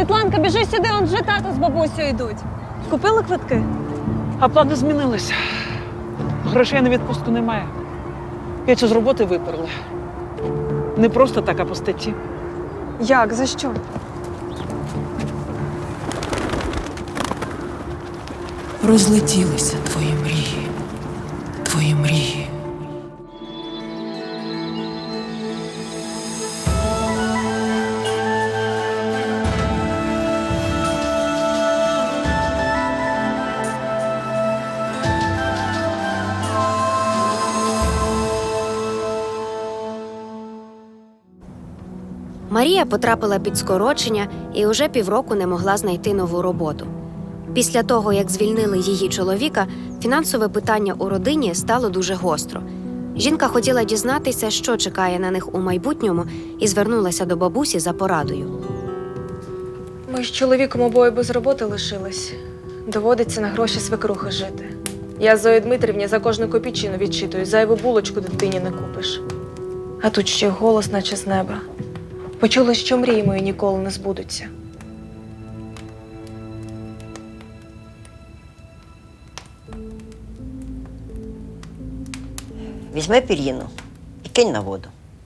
Світланка, біжи сюди, он вже тато з бабусею йдуть. Купили квитки? А плани змінилися. Грошей на відпустку немає. Петю з роботи виперли. Не просто так, а по статті. Як? За що? Розлетілися твої мрії, твої мрії. Марія потрапила під скорочення і уже півроку не могла знайти нову роботу. Після того, як звільнили її чоловіка, фінансове питання у родині стало дуже гостро. Жінка хотіла дізнатися, що чекає на них у майбутньому, і звернулася до бабусі за порадою. Ми з чоловіком обоє без роботи лишились. Доводиться на гроші свекрухи жити. Я Зої Дмитрівні за кожну копійчину відчитую, зайву булочку дитині не купиш. А тут ще голос, наче з неба. Почула, що мрії мої ніколи не збудуться. Візьми пір'їну і кинь на воду.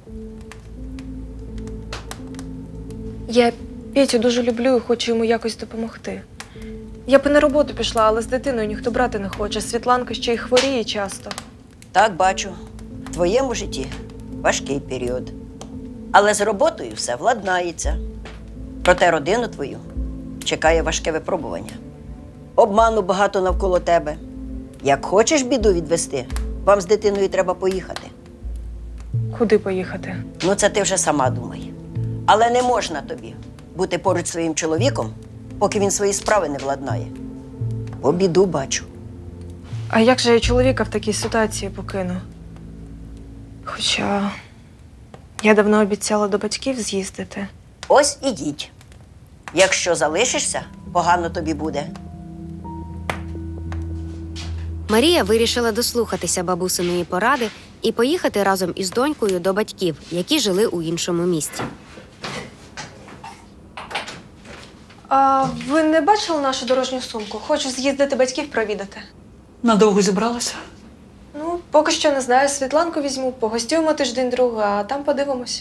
Я Петю дуже люблю і хочу йому якось допомогти. Я б і на роботу пішла, але з дитиною ніхто брати не хоче. Світланка ще й хворіє часто. Так, бачу, в твоєму житті важкий період. Але з роботою все владнається. Проте родину твою чекає важке випробування. Обману багато навколо тебе. Як хочеш біду відвести, вам з дитиною треба поїхати. Куди поїхати? Ну, це ти вже сама думай. Але не можна тобі бути поруч зі своїм чоловіком, поки він свої справи не владнає. Бо біду бачу. А як же я чоловіка в такій ситуації покину? Хоча я давно обіцяла до батьків з'їздити. Ось ідіть. Якщо залишишся, погано тобі буде. Марія вирішила дослухатися бабусиної поради і поїхати разом із донькою до батьків, які жили у іншому місті. А ви не бачили нашу дорожню сумку? Хочу з'їздити батьків провідати. Надовго зібралася? Ну, поки що не знаю. Світланку візьму, погостюємо тиждень-другий, а там подивимося.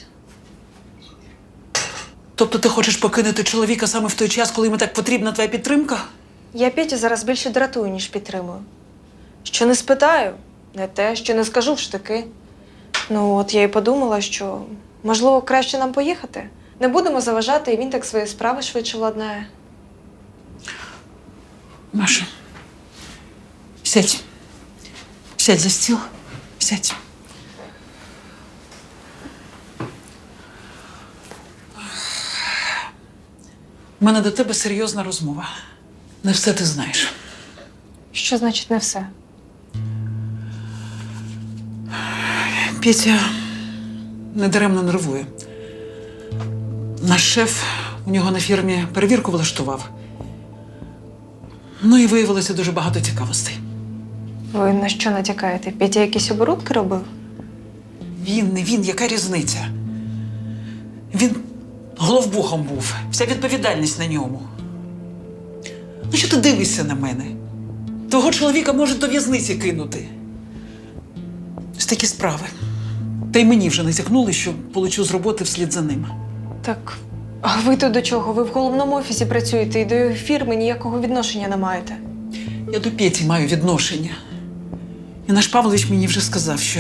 Тобто ти хочеш покинути чоловіка саме в той час, коли йому так потрібна твоя підтримка? Я Петю зараз більше дратую, ніж підтримую. Що не спитаю, не те, що не скажу в штики. Ну, от я й подумала, що, можливо, краще нам поїхати. Не будемо заважати, і він так свої справи швидше владнає. Маша, сядь. Сядь за стіл. Сядь. У мене до тебе серйозна розмова. Не все ти знаєш. Що значить не все? Петя недаремно нервує. Наш шеф у нього на фірмі перевірку влаштував. Ну і виявилося дуже багато цікавостей. Ви на що натякаєте? Петя якісь оборудки робив? Він, не він, яка різниця? Він головбухом був, вся відповідальність на ньому. Ну що ти дивишся на мене? Твого чоловіка можуть до в'язниці кинути. Ось такі справи. Та й мені вже натякнули, що полечу з роботи вслід за ним. Так, а ви то до чого? Ви в головному офісі працюєте і до його фірми ніякого відношення не маєте. Я до Петі маю відношення. І наш Павлович мені вже сказав, що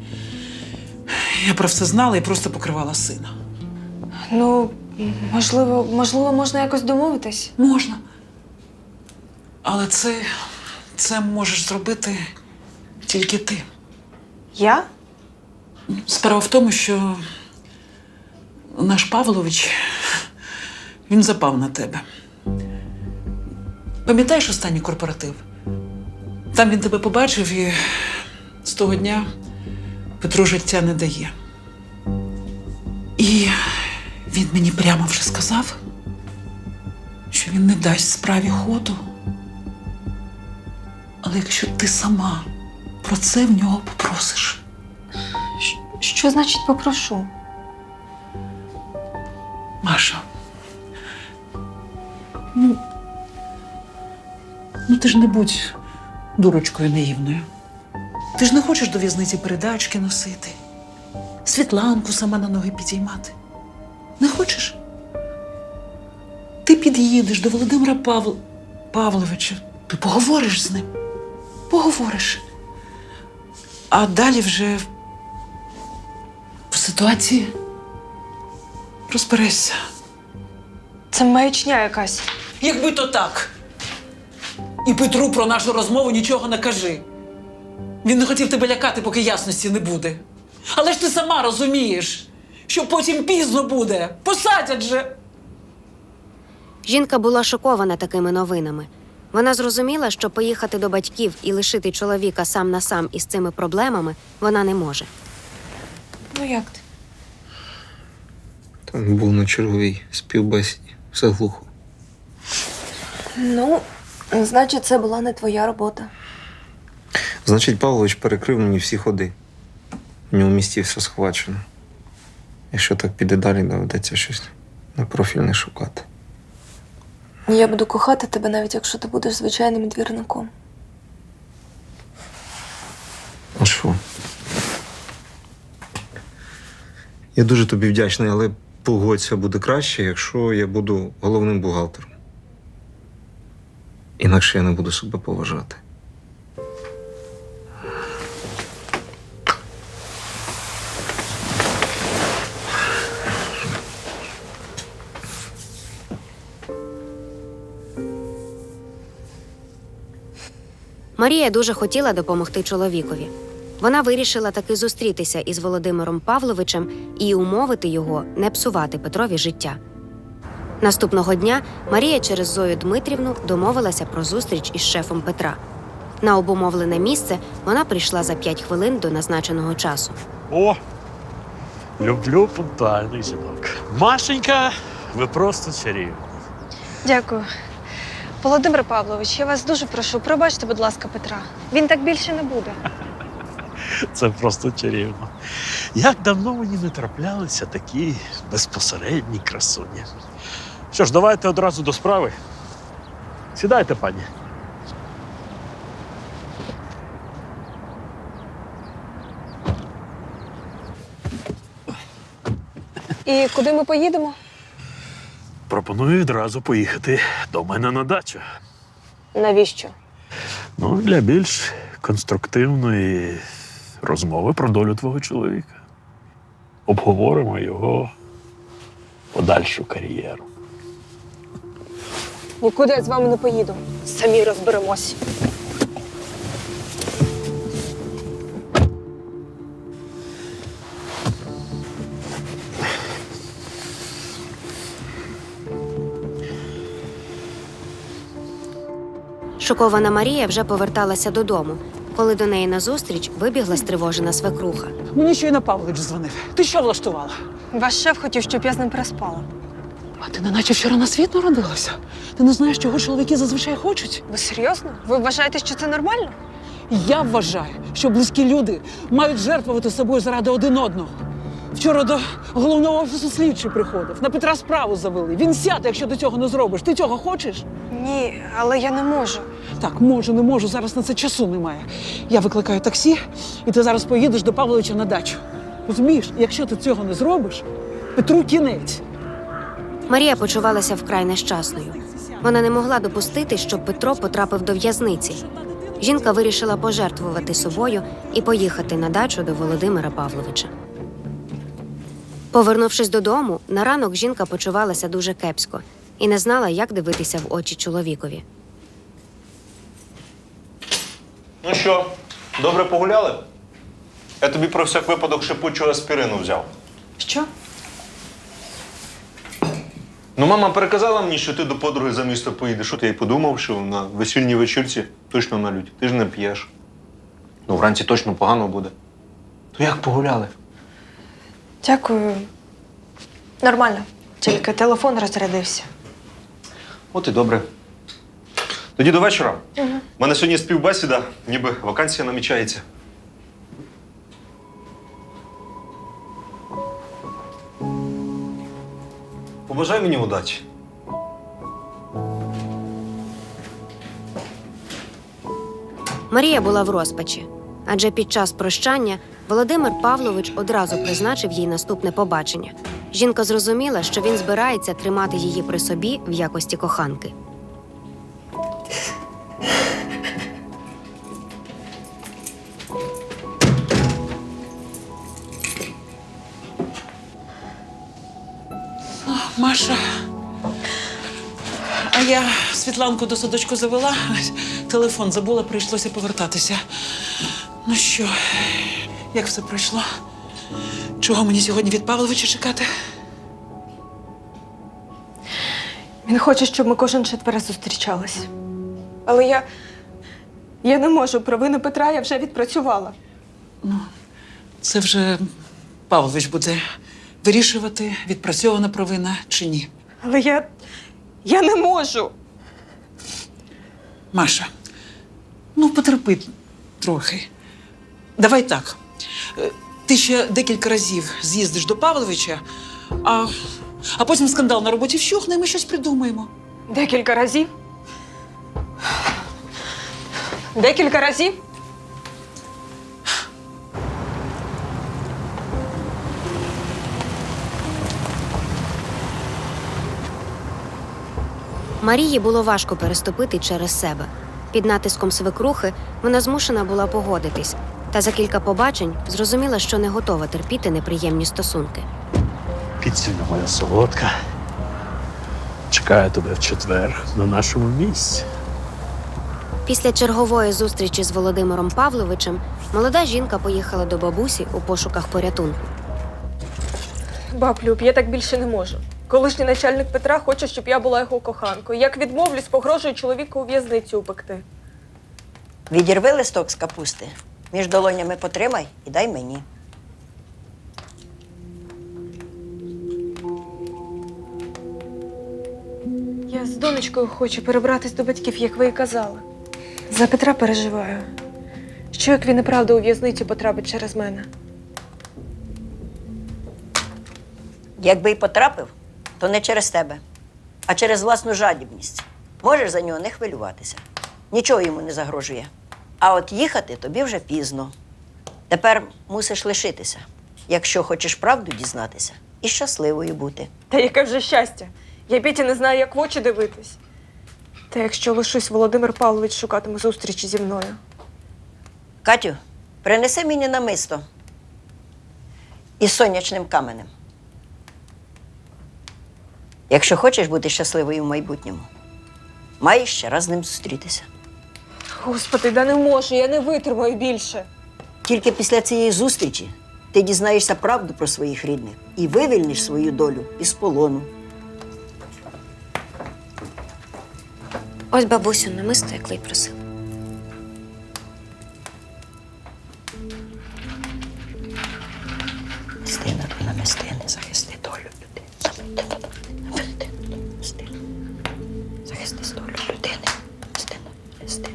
я про все знала і просто покривала сина. Ну, можливо, можна якось домовитись? Можна. Але це можеш зробити тільки ти. Я? Справа в тому, що наш Павлович, він запав на тебе. Пам'ятаєш останній корпоратив? Там він тебе побачив і з того дня Петру життя не дає. І він мені прямо вже сказав, що він не дасть справі ходу. Але якщо ти сама про це в нього попросиш. Що значить попрошу? Маша, Ну ти ж не будь дурочкою наївною. Ти ж не хочеш до в'язниці передачки носити, Світланку сама на ноги підіймати. Не хочеш? Ти під'їдеш до Володимира Павловича, ти поговориш з ним. Поговориш. А далі вже по ситуації розберешся. Це маячня якась. Якби то так. І Петру про нашу розмову нічого не кажи. Він не хотів тебе лякати, поки ясності не буде. Але ж ти сама розумієш, що потім пізно буде. Посадять же. Жінка була шокована такими новинами. Вона зрозуміла, що поїхати до батьків і лишити чоловіка сам на сам із цими проблемами вона не може. Ну як ти? Там був на черговій співбесіді. Все глухо. Ну, значить, це була не твоя робота. Значить, Павлович перекрив мені всі ходи. У нього в місті все схвачено. Якщо так піде далі, доведеться щось непрофільне шукати. Я буду кохати тебе, навіть якщо ти будеш звичайним двірником. А що? Я дуже тобі вдячний, але погодься, буде краще, якщо я буду головним бухгалтером. Інакше я не буду себе поважати. Марія дуже хотіла допомогти чоловікові. Вона вирішила таки зустрітися із Володимиром Павловичем і умовити його не псувати Петрові життя. Наступного дня Марія через Зою Дмитрівну домовилася про зустріч із шефом Петра. На обумовлене місце вона прийшла за 5 хвилин до назначеного часу. О, люблю пунктуальних жінок. Машенька, ви просто чарівні. Дякую. Володимир Павлович, я вас дуже прошу, пробачте, будь ласка, Петра. Він так більше не буде. Це просто чарівно. Як давно мені не траплялися такі безпосередні красуні. Що ж, давайте одразу до справи. Сідайте, пані. І куди ми поїдемо? Пропоную відразу поїхати до мене на дачу. Навіщо? Ну, для більш конструктивної розмови про долю твого чоловіка. Обговоримо його подальшу кар'єру. Нікуди я з вами не поїду. Самі розберемось. Шокована Марія вже поверталася додому, коли до неї назустріч вибігла стривожена свекруха. Мені щойно Павлович дзвонив. Ти що влаштувала? Ваш шеф хотів, щоб я з ним переспала. А ти неначе вчора на світ народилася? Ти не знаєш, чого чоловіки зазвичай хочуть? Ви серйозно? Ви вважаєте, що це нормально? Я вважаю, що близькі люди мають жертвувати собою заради один одного. Вчора до головного офісу слідчий приходив. На Петра справу завели. Він сяде, якщо до цього не зробиш. Ти цього хочеш? Ні, але я не можу. Так, можу, не можу. Зараз на це часу немає. Я викликаю таксі, і ти зараз поїдеш до Павловича на дачу. Розумієш, якщо ти цього не зробиш, Петру кінець. Марія почувалася вкрай нещасною. Вона не могла допустити, щоб Петро потрапив до в'язниці. Жінка вирішила пожертвувати собою і поїхати на дачу до Володимира Павловича. Повернувшись додому, на ранок жінка почувалася дуже кепсько і не знала, як дивитися в очі чоловікові. Ну що, добре погуляли? Я тобі про всяк випадок шипучого аспірину взяв. Що? Ну, мама переказала мені, що ти до подруги за місто поїдеш. От я й подумав, що на весільній вечірці точно налють. Ти ж не п'єш. Ну, вранці точно погано буде. То як погуляли? Дякую. Нормально. Тільки телефон розрядився. От і добре. Тоді до вечора. У мене сьогодні співбесіда, ніби вакансія намічається. Побажай мені удачі. Марія була в розпачі, адже під час прощання Володимир Павлович одразу призначив їй наступне побачення. Жінка зрозуміла, що він збирається тримати її при собі в якості коханки. Маша. А я Світланку до садочку завела, телефон забула, прийшлося повертатися. Ну що, як все пройшло? Чого мені сьогодні від Павловича чекати? Він хоче, щоб ми кожен четверо зустрічались. Але я не можу. Провину Петра я вже відпрацювала. Це вже Павлович буде вирішувати, відпрацьована провина чи ні. Але я не можу. Маша, ну потерпи трохи. Давай так. Ти ще декілька разів з'їздиш до Павловича, а потім скандал на роботі вщухне, і ми щось придумаємо. Декілька разів? Декілька разів? Марії було важко переступити через себе. Під натиском свекрухи вона змушена була погодитись, та за кілька побачень зрозуміла, що не готова терпіти неприємні стосунки. Кицюня моя солодка. Чекаю тебе в четвер на нашому місці. Після чергової зустрічі з Володимиром Павловичем молода жінка поїхала до бабусі у пошуках порятунку. Баб Люб, я так більше не можу. Колишній начальник Петра хоче, щоб я була його коханкою. Як відмовлюсь, погрожує чоловіка у в'язницю упекти. Відірви листок з капусти, між долонями потримай і дай мені. Я з донечкою хочу перебратись до батьків, як ви і казали. За Петра переживаю. Що як він і правда у в'язницю потрапить через мене? Якби й потрапив, то не через тебе, а через власну жадібність. Можеш за нього не хвилюватися. Нічого йому не загрожує. А от їхати тобі вже пізно. Тепер мусиш лишитися, якщо хочеш правду дізнатися і щасливою бути. Та яке вже щастя! Я Петі не знаю, як в очі дивитись. Та якщо лишусь, Володимир Павлович шукатиме зустрічі зі мною. Катю, принеси мені намисто із сонячним каменем. Якщо хочеш бути щасливою в майбутньому, маєш ще раз з ним зустрітися. Господи, да не можу, я не витримаю більше. Тільки після цієї зустрічі ти дізнаєшся правду про своїх рідних і вивільниш свою долю із полону. Ось бабусю намисто, як Лей просив. Намистина до намистини, захисти долю людини. Намистина. Захисти долю людини. Намистина, намистина.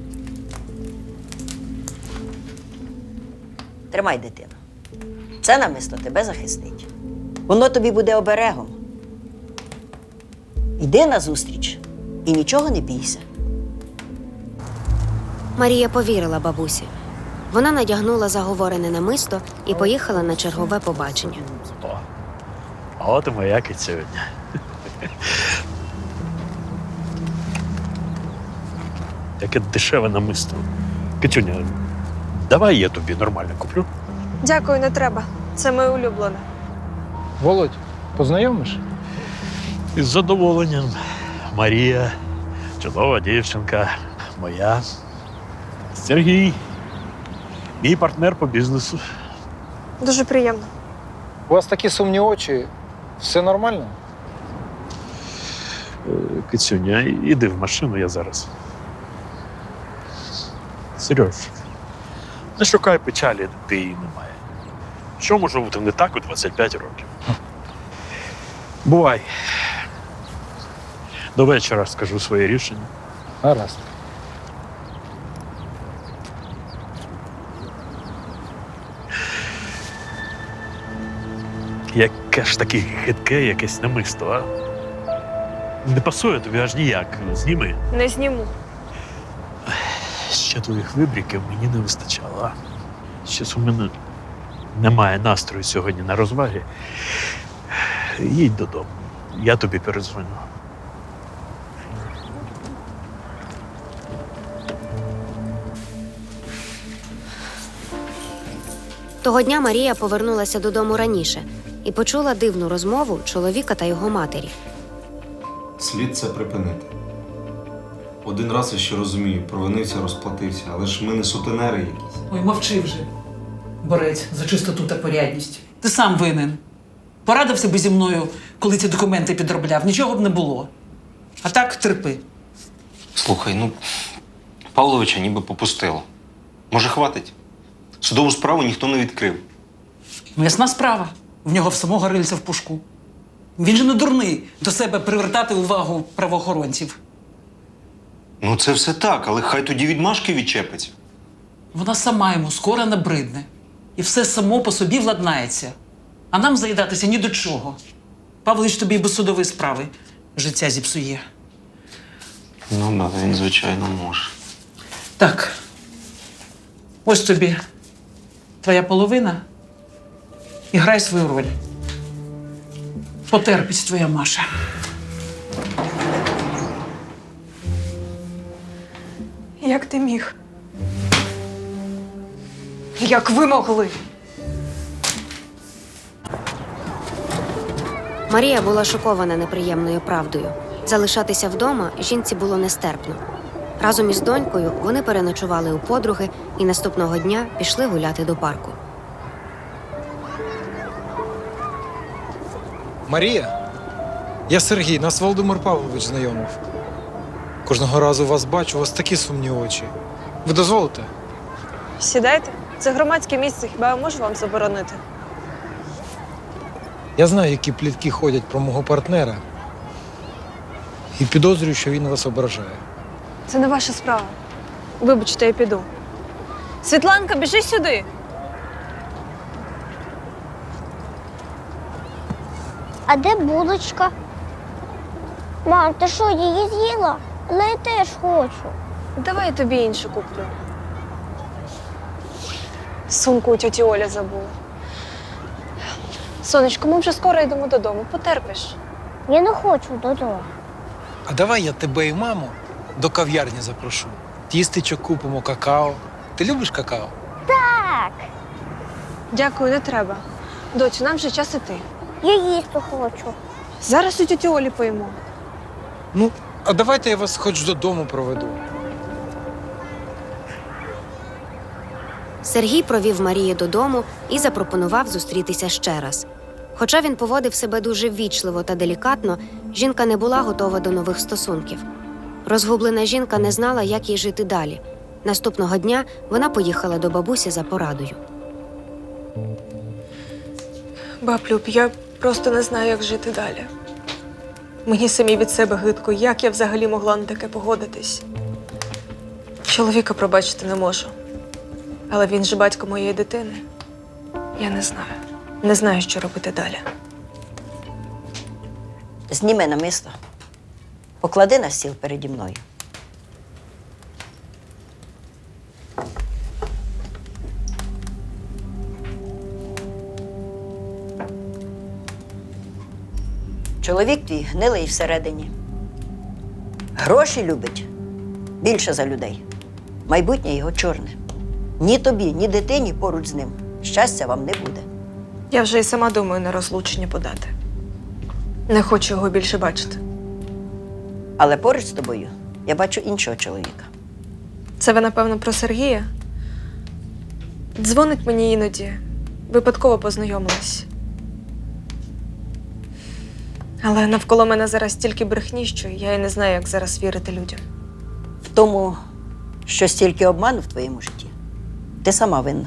Тримай, дитину. Це намисто тебе захистить. Воно тобі буде оберегом. Йди на зустріч і нічого не бійся. Марія повірила бабусі. Вона надягнула заговорене намисто і поїхала на чергове побачення. О, а от і моя кицюня. Яке дешеве намисто. Кицюня, давай я тобі нормально куплю. Дякую, не треба. Це моє улюблене. Володь, познайомиш? Із задоволенням. Марія, чудова дівчинка, моя. Сергій, мій партнер по бізнесу. Дуже приємно. У вас такі сумні очі. Все нормально? Кицюня, іди в машину, я зараз. Сереж, не шукай печалі, де її немає. Що може бути не так у 25 років? Бувай. До вечора скажу своє рішення. Гаразд. Яке ж таке хитке якесь намисто, а? Не пасує тобі аж ніяк. Зніми. Не зніму. Ще твоїх вибріків мені не вистачало. Щось у мене немає настрою сьогодні на розваги. Їдь додому. Я тобі передзвоню. Того дня Марія повернулася додому раніше і почула дивну розмову чоловіка та його матері. Слід це припинити. Один раз я ще розумію, провинився, розплатився, але ж ми не сутенери якісь. Ой, мовчи вже, борець за чистоту та порядність. Ти сам винен. Порадився би зі мною, коли ці документи підробляв, нічого б не було. А так терпи. Слухай, ну, Павловича ніби попустило. Може, хватить? Судову справу ніхто не відкрив. Ну, ясна справа. В нього в самого рильця в пушку. Він же не дурний до себе привертати увагу правоохоронців. Ну, це все так, але хай тоді відмашки відчепиться. Вона сама йому скоро набридне. І все само по собі владнається. А нам заїдатися ні до чого. Павлович тобі і без судової справи життя зіпсує. Ну, да, він, звичайно, може. Так. Ось тобі твоя половина. І грай свою роль. Потерпить твоя Маша. Як ти міг? Як ви могли? Марія була шокована неприємною правдою. Залишатися вдома жінці було нестерпно. Разом із донькою вони переночували у подруги і наступного дня пішли гуляти до парку. Марія, я Сергій, нас Володимир Павлович знайомив. Кожного разу вас бачу, у вас такі сумні очі. Ви дозволите? Сідайте. Це громадське місце, хіба я можу вам заборонити? Я знаю, які плітки ходять про мого партнера. І підозрюю, що він вас ображає. Це не ваша справа. Вибачте, я піду. Світланка, біжи сюди. А де булочка? Мам, ти що, її з'їла? Але я теж хочу. Давай я тобі іншу куплю. Сумку у тьоті Оля забула. Сонечко, ми вже скоро йдемо додому. Потерпиш. Я не хочу додому. А давай я тебе і маму до кав'ярні запрошу. Тістечок купимо, какао. Ти любиш какао? Так, Дякую, не треба. Доцю, нам вже час іти. я їсти хочу. Зараз у тьоті Олі поїмо. Ну, а давайте я вас хоч додому проведу. Сергій провів Марію додому і запропонував зустрітися ще раз. Хоча він поводив себе дуже ввічливо та делікатно, жінка не була готова до нових стосунків. Розгублена жінка не знала, як їй жити далі. Наступного дня вона поїхала до бабусі за порадою. Баб Люб, я просто не знаю, як жити далі. Мені самі від себе гидко, як я взагалі могла на таке погодитись. Чоловіка пробачити не можу. Але він же батько моєї дитини. Я не знаю. Не знаю, що робити далі. Зніми намисто. Поклади на стіл переді мною. Чоловік твій гнилий всередині. Гроші любить більше за людей. Майбутнє його чорне. Ні тобі, ні дитині поруч з ним щастя вам не буде. Я вже і сама думаю на розлучення подати. Не хочу його більше бачити. Але поруч з тобою я бачу іншого чоловіка. Це ви, напевно, про Сергія? Дзвонить мені іноді. Випадково познайомились. Але навколо мене зараз стільки брехні, що я і не знаю, як зараз вірити людям. В тому, що стільки обману в твоєму житті, ти сама винна.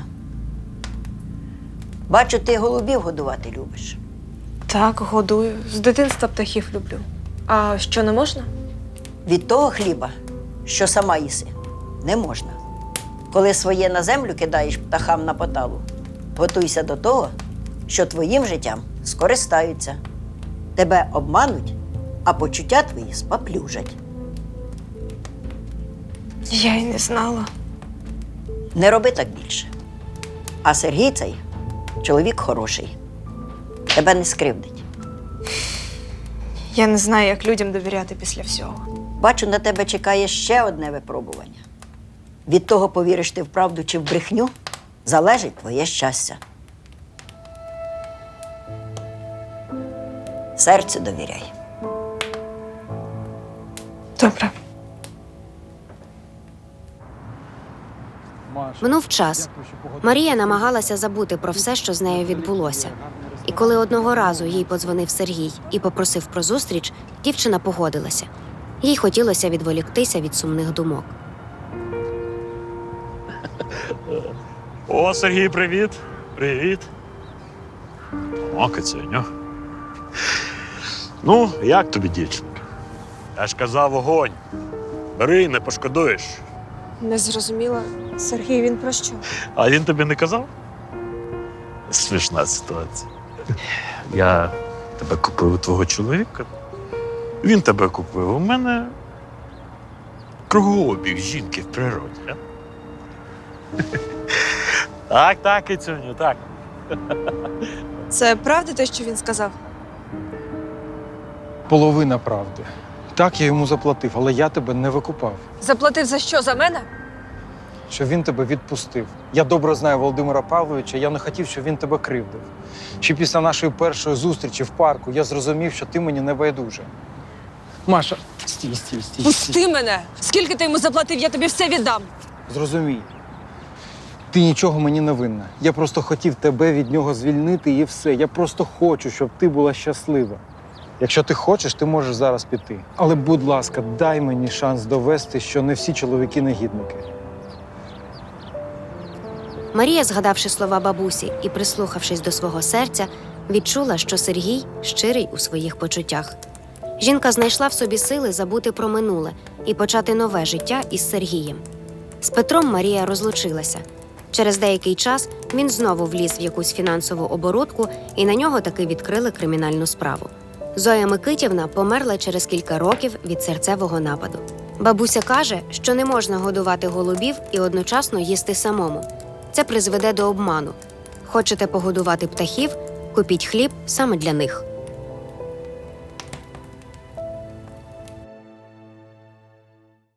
Бачу, ти голубів годувати любиш. Так, годую. З дитинства птахів люблю. А що, не можна? Від того хліба, що сама їси, не можна. Коли своє на землю кидаєш птахам на поталу, готуйся до того, що твоїм життям скористаються. Тебе обмануть, а почуття твої спаплюжать. Я й не знала. Не роби так більше. А Сергій цей чоловік хороший. Тебе не скривдить. Я не знаю, як людям довіряти після всього. Бачу, на тебе чекає ще одне випробування. Від того, повіриш ти в правду чи в брехню, залежить твоє щастя. Серцю довіряй. Добре. Минув час. Марія намагалася забути про все, що з нею відбулося. І коли одного разу їй подзвонив Сергій і попросив про зустріч, дівчина погодилася. Їй хотілося відволіктися від сумних думок. О, Сергій, привіт. Привіт. О, Кицюню. Ну, як тобі, дівчинка? Я ж казав, вогонь. Бери, не пошкодуєш. Не зрозуміла. Сергій, він про що? А він тобі не казав? Смішна ситуація. Я тебе купив у твого чоловіка. Він тебе купив. У мене кругообіг жінки в природі. А? Так, так, Кицюню, так. Це правда те, що він сказав? Половина правди. Так, я йому заплатив, але я тебе не викупав. Заплатив за що? За мене? Що він тебе відпустив. Я добре знаю Володимира Павловича, я не хотів, щоб він тебе кривдив. Ще після нашої першої зустрічі в парку я зрозумів, що ти мені не байдужа. Маша, стій. Пусти мене! Скільки ти йому заплатив, я тобі все віддам. Зрозумій. Ти нічого мені не винна. Я просто хотів тебе від нього звільнити і все. Я просто хочу, щоб ти була щаслива. Якщо ти хочеш, ти можеш зараз піти. Але, будь ласка, дай мені шанс довести, що не всі чоловіки негідники. Марія, згадавши слова бабусі і прислухавшись до свого серця, відчула, що Сергій щирий у своїх почуттях. Жінка знайшла в собі сили забути про минуле і почати нове життя із Сергієм. З Петром Марія розлучилася. Через деякий час він знову вліз в якусь фінансову оборудку, і на нього таки відкрили кримінальну справу. Зоя Микитівна померла через кілька років від серцевого нападу. Бабуся каже, що не можна годувати голубів і одночасно їсти самому. Це призведе до обману. Хочете погодувати птахів – купіть хліб саме для них.